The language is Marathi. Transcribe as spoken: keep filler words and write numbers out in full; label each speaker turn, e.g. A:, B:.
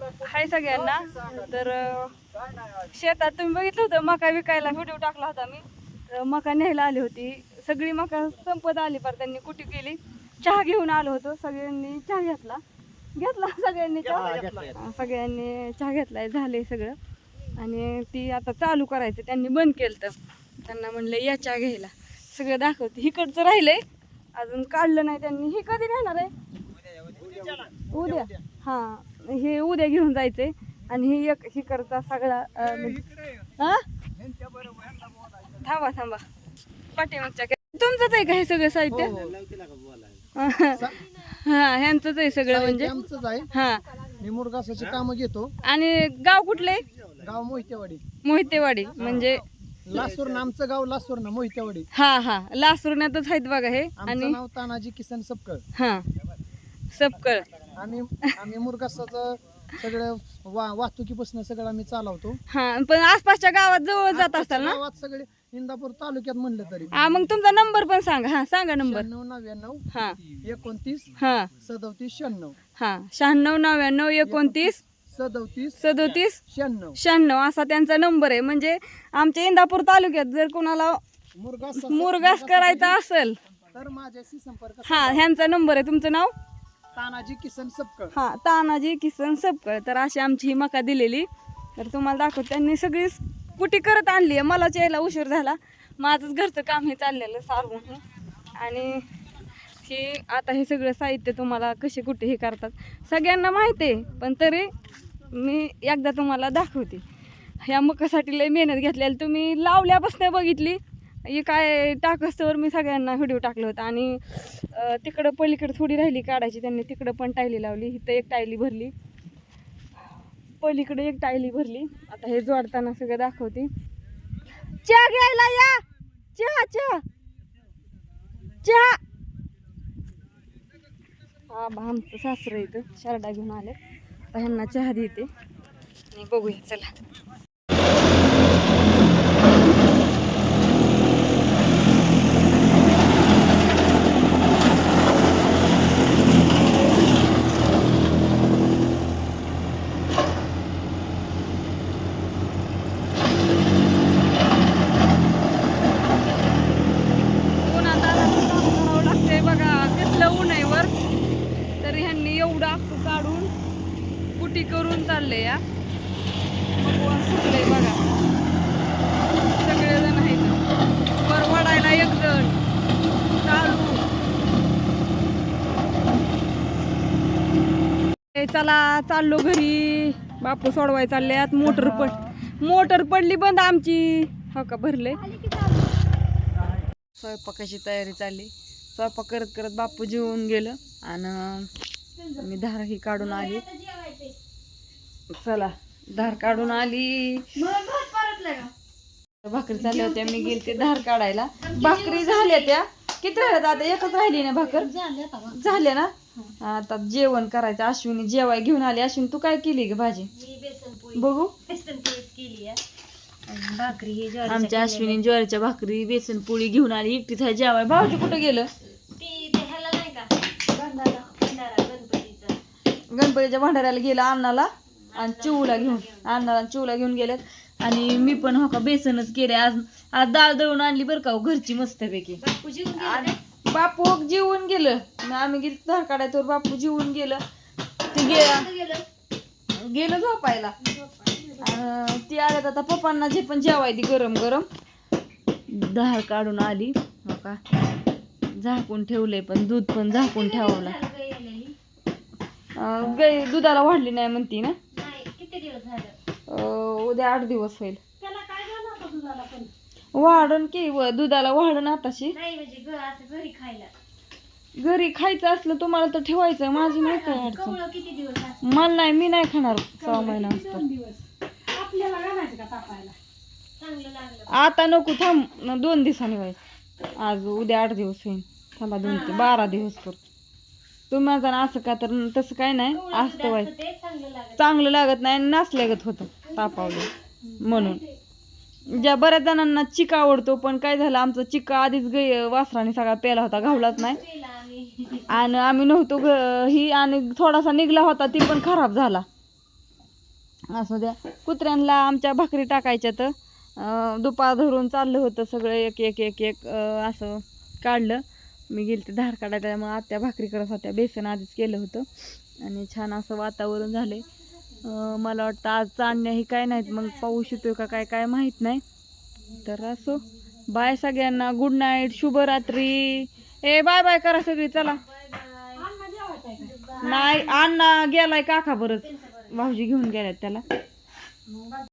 A: हाय सगळ्यांना. तर शेतात तुम्ही बघितलं होतं मका विकायला व्हिडिओ टाकला होता मी. तर मका न्यायला आली होती, सगळी मका संपत आली पर त्यांनी कुठे केली. चहा घेऊन आलो होतो, सगळ्यांनी चहा घेतला घेतला सगळ्यांनी चहा सगळ्यांनी चहा घेतलाय, झाले सगळं. आणि ती आता चालू करायचं, त्यांनी बंद केलं. तर त्यांना म्हणलं या चहा घ्यायला, सगळं दाखवते. हिकडचं राहिलंय अजून काढलं नाही त्यांनी. हे कधी घेणार आहे? उद्या. हा, हे उद्या घेऊन जायचंय. आणि हे एक हिकडचा सगळा हा थांबा थांबा पाठीमागच्या तुमचंच आहे का हे सगळं साहित्य? हा, ह्यांचंच आहे सगळं म्हणजे. हा,
B: मी मुरगासाची कामं घेतो.
A: आणि गाव कुठले?
B: गाव मोहितेवाडी.
A: मोहितेवाडी म्हणजे
B: लासूर आमचं गाव, लासूर ना मोहितेवाडी.
A: हा हा, लासुरण्यातच आहेत बघा हे.
B: आणि नाव तानाजी किसन सबकळ.
A: हा, सबकळ.
B: आणि आम्ही मुरगासाचं सगळं वा वाहतुकीपासून सगळं आम्ही चालवतो.
A: हा, पण आसपासच्या गावात जवळ जात असताल ना?
B: गावात सगळे इंदापूर तालुक्यात म्हणलं तरी.
A: हा, मग तुमचा नंबर पण सांगा. हा सांगा नंबर.
B: नऊ नव्याण्णव
A: हा
B: एकोणतीस
A: हा
B: सदोतीस शहाण्णव.
A: हा, शहाण्णव नव्याण्णव एकोणतीस
B: सदोतीस
A: सदोतीस
B: शहाण्णव
A: शहाण्णव असा त्यांचा नंबर आहे. म्हणजे आमच्या इंदापूर तालुक्यात जर कोणाला
B: मुरगास
A: मुरगास करायचा असेल
B: तर माझ्याशी संपर्क.
A: हा, ह्यांचा नंबर आहे. तुमचं नाव?
B: तानाजी किसन सबकळ.
A: हा, तानाजी किसन सबकळ. तर अशी आमची ही मका दिलेली. तर तुम्हाला दाखवते, त्यांनी सगळी कुटी करत आणली आहे. मलाच यायला उशीर झाला, माझंच घरचं काम हे चाललेलं सारवून. आणि हे आता हे सगळं साहित्य तुम्हाला कसे कुठे हे करतात सगळ्यांना माहिती आहे, पण तरी मी एकदा तुम्हाला दाखवते. ह्या मकासाठी लय मेहनत घेतलेली, तुम्ही लावल्यापासून बघितली. हे काय टाकस्तवर मी सगळ्यांना व्हिडिओ टाकलं होतं. आणि तिकडं पलीकडे थोडी राहिली काढायची, त्यांनी तिकडं पण टायली लावली. इथं एक टायली भरली, पलीकडे एक टायली भरली. आता हे जोडताना सगळं दाखवते. चहा घ्यायला या, चहा चहा चहा. हा, आमचं सासरं इथं शारडा घेऊन आले. आता ह्यांना चहा देते आणि बघूया चला. करून चालले या भगवान सुटले बघा. सगळेजण आहेत वर वडायला, एक जण चालू. चला चाललो घरी. बापू सोडवाय चालल्यात. मोटर पड मोटर पडली बंद आमची. हो का, भरले. स्वयंपाकाची तयारी चालली. स्वयंपाक करत करत बापू जेवून गेलं आणि मी धार ही काढून आली. चला, धार काढून आली. भाकरी चालल्या होत्या, मी गेलते धार काढायला. भाकरी झाल्या त्या. किती राहिल्या आता? एकच राहिली ना भाकर? झाल्या ना. आता जेवण करायचं. अश्विनी जेवाय घेऊन आली. अश्विनी तू काय केली ग भाजी? बघू. आमच्या अश्विनी ज्वारीच्या भाकरी बेसन पोळी घेऊन आली. एकटीच आहे जेवाय. भाऊजी कुठं गेलं? गणपतीच्या भंडाऱ्याला गेला अन्नाला आणि चिवला घेऊन. अन्नाला चिवला घेऊन गेल्यात. आणि मी पण हो का बेसनच केले आज. आज डाळ दळून आणली बरं का घरची मस्तपैकी. बापू जेवून गेलं. आम्ही गेलो धार काढायचं, बापू जेवून गेलं. ते गेलं गेलं झोपायला. ती आल्यात आता पप्पांना जे पण जेवायची गरम गरम. धार काढून आली हो का. झाकून ठेवलंय, पण दूध पण झाकून ठेवलं. गाय दुधाला वाढली नाही म्हणती ना. उद्या आठ दिवस होईल. वाढण की दुधाला वाढण आताशी. घरी खायचं असलं तुम्हाला तर ठेवायचं. माझी नाही काय अडचण. मला नाही, मी नाही खाणार सहा महिना. आता नको, थांब दोन दिवसांनी व्हायचं. आज उद्या आठ दिवस होईल. थांबा दोन ते बारा दिवस करतो. तुम्ही माझा असं का, तर तसं काय नाही. असतं व्हायचं चांगलं लागत नाही. नाचल्यागत होतं तापावलं म्हणून. ज्या बऱ्याच जणांना चिका आवडतो, पण काय झालं आमचा चिका आधीच गे वासराने सगळा प्याला होता, घावलाच नाही. आणि आम्ही नव्हतो ही, आणि थोडासा निघला होता ती पण खराब झाला. असू द्या. कुत्र्यांना आमच्या भाकरी टाकायच्या तर अं, दुपार धरून चाललं होतं सगळं एक एक एक एक अं, असं काढलं. मी गेली ते धार काढायला त्यामुळे आत्या भाकरी करत होत्या. बेसन आधीच केलं होतं आणि छान असं वातावरण झाले. मला वाटतं आज चांदण्या ही काय नाहीत, मग पाऊस येतोय का काय काय माहीत नाही. तर असो, बाय सगळ्यांना, गुड नाईट, शुभरात्री. ए बाय बाय करा सगळी, चला. नाही अण्णा गेलाय काका बरंच, भाऊजी घेऊन गेल्यात त्याला.